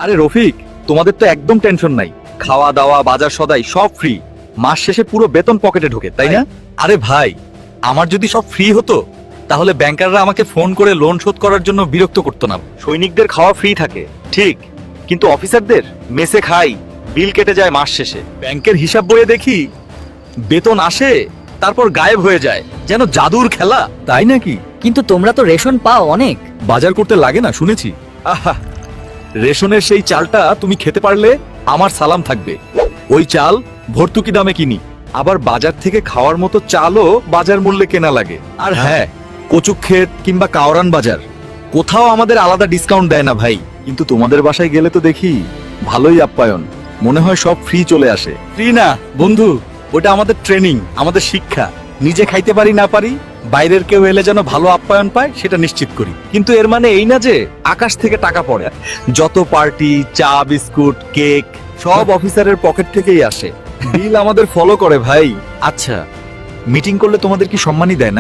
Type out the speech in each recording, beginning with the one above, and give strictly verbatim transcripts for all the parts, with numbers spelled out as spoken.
আরে রফিক, তোমাদের তো একদম টেনশন নাই। খাওয়া দাওয়া বাজার সদাই সব ফ্রি। মাস শেষে পুরো বেতন পকেটে ঢোকে, তাই না? আরে ভাই, আমার যদি সব ফ্রি হতো তাহলে ব্যাংকাররা আমাকে ফোন করে লোন শোধ করার জন্য বিরক্ত করতো না। সৈনিকদের খাওয়া ফ্রি থাকে ঠিক, কিন্তু অফিসারদের মেসে খাই, বিল কেটে যায় মাস শেষে। ব্যাংকের হিসাব বইয়ে দেখি বেতন আসে তারপর গায়েব হয়ে যায়, যেন জাদুর খেলা। তাই নাকি? কিন্তু তোমরা তো রেশন পাও অনেক। বাজার করতে লাগে না শুনেছি। আহা, রেশনের সেই চালটা তুমি খেতে পারলে আমার সালাম থাকবে। ওই চাল ভর্তুকি দামে কিনি, আবার বাজার থেকে খাওয়ার মতো চালও বাজার মূল্যে কেনা লাগে। আর হ্যাঁ, কচুক ক্ষেত কিংবা কাওরান বাজার কোথাও আমাদের আলাদা ডিসকাউন্ট দেয় না ভাই। কিন্তু তোমাদের বাসায় গেলে তো দেখি ভালোই আপ্যায়ন, মনে হয় সব ফ্রি চলে আসে। ফ্রি না বন্ধু, ওটা আমাদের ট্রেনিং, আমাদের শিক্ষা। নিজে খাইতে পারি না পারি, বাইরের কেউ এলে যেন ভালো আপ্যায়ন পায় সেটা নিশ্চিত করি। কিন্তু এর মানে এই না যে আকাশ থেকে টাকা পড়ে। যত পার্টি, চা, বিস্কুট, কেক সব অফিসারের পকেট থেকেই আসে। বিল আমাদের ফলো করে ভাই। আচ্ছা, মিটিং করলে তোমাদের কি সম্মানই দেয় না?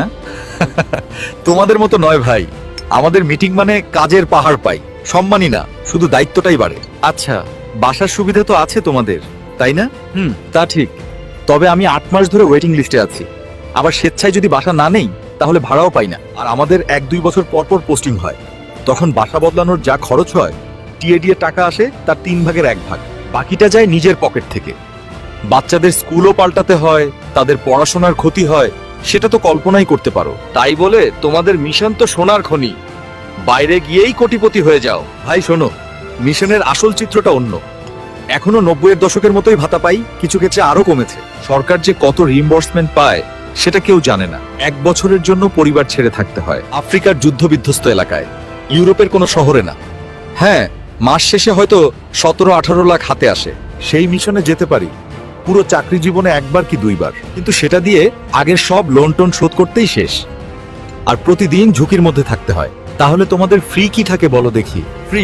তোমাদের মতো নয় ভাই, আমাদের মিটিং মানে কাজের পাহাড় পাই, সম্মানই না, শুধু দায়িত্বটাই বাড়ে। আচ্ছা, বাসার সুবিধা তো আছে তোমাদের, তাই না? হুম, তা ঠিক। তবে আমি আট মাস ধরে ওয়েটিং লিস্টে আছি। আবার স্বেচ্ছায় যদি বাসা না নেই তাহলে ভাড়াও পাই না। আর আমাদের এক দুই বছর পর পর পোস্টিং হয়, তখন বাসা বদলানোর যা খরচ হয়, টিএডি এর টাকা আসে তার তিন ভাগের এক ভাগ, বাকিটা যায় নিজের পকেট থেকে। বাচ্চাদের স্কুলও পাল্টাতে হয়, তাদের পড়াশোনার ক্ষতি হয়, সেটা তো কল্পনাই করতে পারো। তাই বলে তোমাদের মিশন তো সোনার খনি, বাইরে গিয়েই কোটিপতি হয়ে যাও। ভাই শোনো, মিশনের আসল চিত্রটা অন্য। এখনো নব্বইয়ের দশকের মতোই ভাতা পাই, কিছু ক্ষেত্রে আরো কমেছে। সরকার যে কত রিইম্বার্সমেন্ট পায় সেটা কেউ জানে না। এক বছরের জন্য পরিবার ছেড়ে থাকতে হয় আফ্রিকার যুদ্ধ বিধ্বস্ত এলাকায়, ইউরোপের কোনো শহরে না। হ্যাঁ, মাস শেষে হয়তো সতেরো আঠারো লাখ হাতে আসে। সেই মিশনে যেতে পারি পুরো চাকরি জীবনে একবার কি দুইবার, কিন্তু সেটা দিয়ে আগের সব লোন টোন শোধ করতেই শেষ। আর প্রতিদিন ঝুঁকির মধ্যে থাকতে হয়। তাহলে তোমাদের ফ্রি কি থাকে বলো দেখি? ফ্রি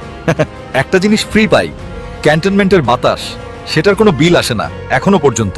একটা জিনিস ফ্রি পাই, ক্যান্টনমেন্টের বাতাস। সেটার কোনো বিল আসে না এখনো পর্যন্ত।